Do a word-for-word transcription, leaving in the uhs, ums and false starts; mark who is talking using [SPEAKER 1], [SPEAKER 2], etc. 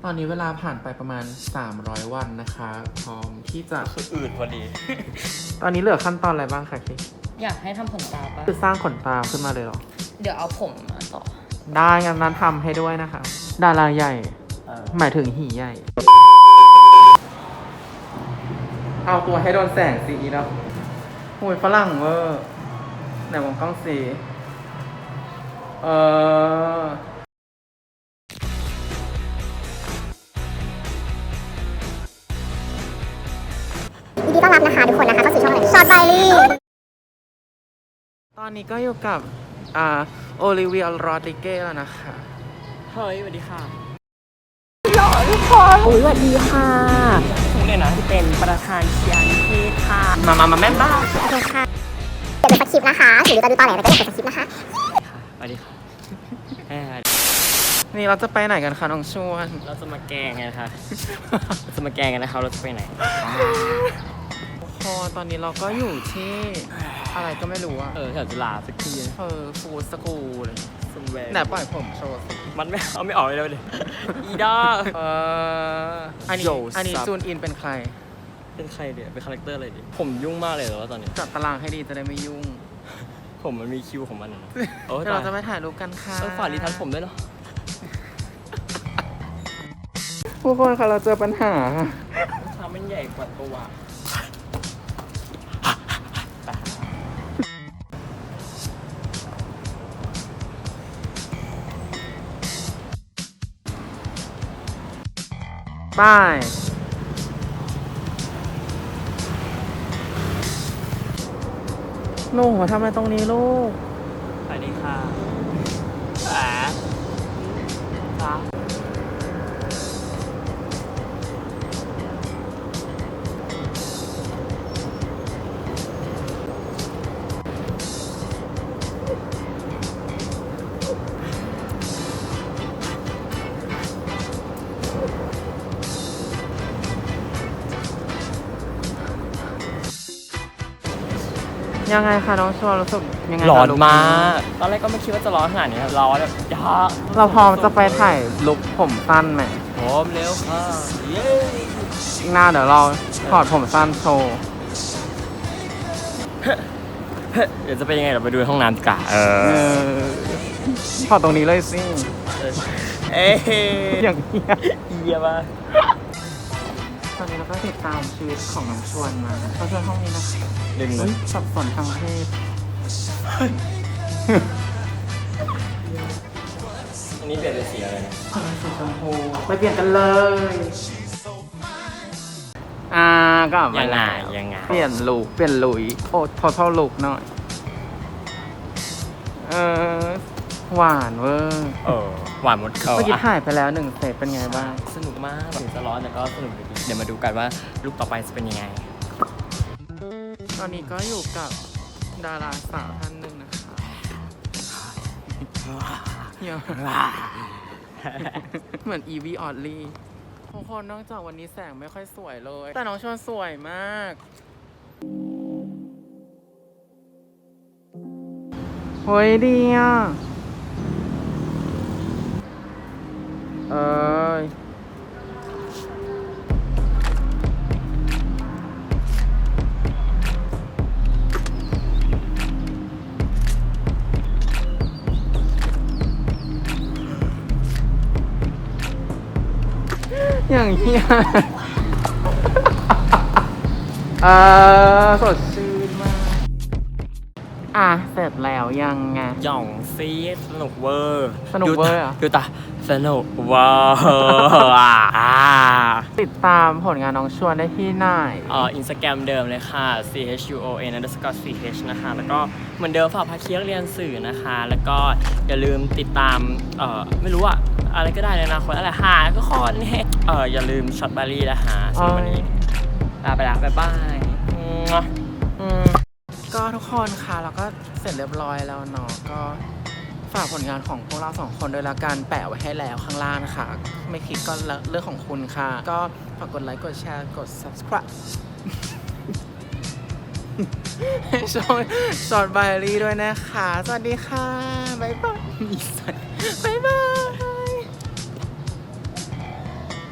[SPEAKER 1] ตอนนี้เวลาผ่านไปประมาณสามร้อยวันนะคะพร้อมที่จะ
[SPEAKER 2] อืดพอดี
[SPEAKER 1] ตอนนี้เหลือขั้นตอนอะไรบ้างคะคิ
[SPEAKER 3] อยากให้ทำขนตาปะ
[SPEAKER 1] คือสร้างขนตาขึ้นมาเลยเหรอ
[SPEAKER 3] เดี๋ยวเอาผมมาต่อ
[SPEAKER 1] ได้งั้นนั้นทำให้ด้วยนะคะดาราใหญ่
[SPEAKER 2] เออ
[SPEAKER 1] หมายถึงหีใหญ่ เอาตัวให้โดนแสงสีเนาะโอ้ยฝรั่งเวอร์ไหนมองกล้องสีเออ
[SPEAKER 4] ยินดีต้อนรับนะคะทุกคนนะคะเข้าสู่ช่องอะไรช็อตไบลี่
[SPEAKER 1] ตอนนี้ก็อยู่กับ อ่า โอลิเวีย โรดริเก้แล้วนะคะ
[SPEAKER 2] เฮ้ยสวัสดีค่ะ
[SPEAKER 3] โอ้ยสวัสดีค่ะคุณเนี่ยนะที่เป็นประธานเชียร์นิเทศค่ะ มามามาแม่บ้าน
[SPEAKER 4] ขอบคุณค่ะเดี๋ยวเป็นสคริปต์นะคะถึงจะดูตอนไหนแต่ก็ยังเป็นสคริปต์นะคะ
[SPEAKER 2] สวัสดีค่ะเอ้ย
[SPEAKER 1] นี่เราจะไปไหนกันคะน้องชวน
[SPEAKER 2] เราจะมาแกล้งกันนะคะเราจะมาแกล้งกันนะครับเราจะไปไหน
[SPEAKER 1] พอตอนนี้เราก็อยู่ที่อะไรก็ไม่รู้อะ
[SPEAKER 2] เออแถวจุฬาสักทีนะ
[SPEAKER 1] เออฟูดสกูลเลย
[SPEAKER 2] ซุนแวร์
[SPEAKER 1] ไหนปล่อยผมโชว์สิ
[SPEAKER 2] มันไม่เอาไม่ออกเลยเลยอีด้า
[SPEAKER 1] เอออันนี้
[SPEAKER 2] โย
[SPEAKER 1] อันนี้
[SPEAKER 2] ซับ
[SPEAKER 1] จูนอินเป็นใคร
[SPEAKER 2] เป็นใครเดี๋ยวเป็นคาแรคเตอร์อะไรดิผมยุ่งมากเลยเหรอวะตอนนี้
[SPEAKER 1] จัดตารางให้ดีจะได้ไม่ยุ่ง
[SPEAKER 2] ผมมันมีคิวของมันอะโอ้ย
[SPEAKER 1] เดี๋ยวเรา
[SPEAKER 2] ตาย
[SPEAKER 1] จะไปถ่ายรูปกันค่ะ
[SPEAKER 2] ต้องฝากรีทัชผมด้วยเนาะ
[SPEAKER 1] ทุกคนค่ะเราเจอปัญหา
[SPEAKER 2] ชามมันใหญ่กว่าตัว
[SPEAKER 1] ป้าย หนูมาทำอะไรตรงนี้ลูก
[SPEAKER 2] สวัสดีค่ะแหมจ้า
[SPEAKER 1] ยังไงคะน้องชวนรู้สึกยังไงคะ
[SPEAKER 2] ร้อน
[SPEAKER 1] ลุค
[SPEAKER 2] มาก ตอนแรกก็ไม่คิดว่าจะร้อนขนาดนี้ครับร้อนแบบยา
[SPEAKER 1] เราพร้อมจะไปถ่ายลุคผมสั้นไหม
[SPEAKER 2] พร้อมเร็วค่ะ เย้
[SPEAKER 1] อีกหน้าเดี๋ยวเราถอดผมสั้นโชว์
[SPEAKER 2] เดี๋ยวจะเป็นยังไงเราไปดูในห้องน้ำดีกว่าเอ
[SPEAKER 1] เอ
[SPEAKER 2] อ
[SPEAKER 1] อถอดตรงนี้เลยสิ
[SPEAKER 2] เอ้ย
[SPEAKER 1] อย่างเงี้ย
[SPEAKER 2] เยี่ยมมาก
[SPEAKER 1] ตอนนี้เราก็ติดตามชีวิตของน้องชวนมาเขาชวนห้องนี้นะคะ
[SPEAKER 2] ดึงเล
[SPEAKER 1] เฮ้
[SPEAKER 2] ย
[SPEAKER 1] ยสับสนทางเพศ
[SPEAKER 2] อันนี้เปลี่ยนเป็นสีอะไรนะ
[SPEAKER 1] คนละสีชมพูไปเปลี่ยนกันเลย อ่าก็มา
[SPEAKER 2] ยังไง
[SPEAKER 1] แล้ว
[SPEAKER 2] ยังไง
[SPEAKER 1] เปลี่ยนลุคเปลี่ยนลุยโอ้ทอทอลุกหน่อย เออหวานเวอร์
[SPEAKER 2] เออหวานหมดเขา
[SPEAKER 1] เมื่อกี้
[SPEAKER 2] อะ
[SPEAKER 1] ถ่ายไปแล้วหนึ่งเซตเป็นไงบ้าง
[SPEAKER 2] สนุกมากถึงจะร้อนแต่ก็สนุกดีเดี๋ยวมาดูกันว่าลูกต่อไปจะเป็นยังไง
[SPEAKER 1] ตอนนี้ก็อยู่กับดาราสาวท่านหนึ่งนะคะเฮีย เหมือนอีวีออดลี่ทุกคนนอกจากวันนี้แสงไม่ค่อยสวยเลย แต่น้องชวนสวยมากเฮ้ยดีอ่ะ เอ้ยอย่างเงี้ย เออสดชื่นมาก อ่ะ เสร็จแล้วยังไง
[SPEAKER 2] หย่องซีดสนุกเวอร์
[SPEAKER 1] สนุกเวอร์เหรอ
[SPEAKER 2] ดูตาสนุกเวอร์อ่ะ
[SPEAKER 1] ติดตามผลงานน้องชวนได้ที่ไหน
[SPEAKER 2] เอ่ออินสตาแกรมเดิมเลยค่ะ c h u o n underscore c h นะคะ แล้วก็เหมือนเดิมฝากพาเคียกเรียนสื่อนะคะ แล้วก็อย่าลืมติดตามเอ่อไม่รู้อะอะไรก็ได้ในอนาคตอะไรหาก็คอนเนี่ยเอออย่าลืมช็อตบารีนะคะสำหรับวันนี้ลาไปละบ๊ายบายมั่ว
[SPEAKER 1] อืมก็ทุกคนค่ะเราก็เสร็จเรียบร้อยแล้วเนาะก็ฝากผลงานของพวกเราสองคนโดยละกันแปะไว้ให้แล้วข้างล่างนะคะไม่คิดก็เรื่องของคุณค่ะ ก็ฝากกดไลค์กดแชร์กด subscribe ให้ช่องสอดไบรี่ด้วยนะคะ สวัสดีค่ะ บ๊ายบาย บ๊ายบาย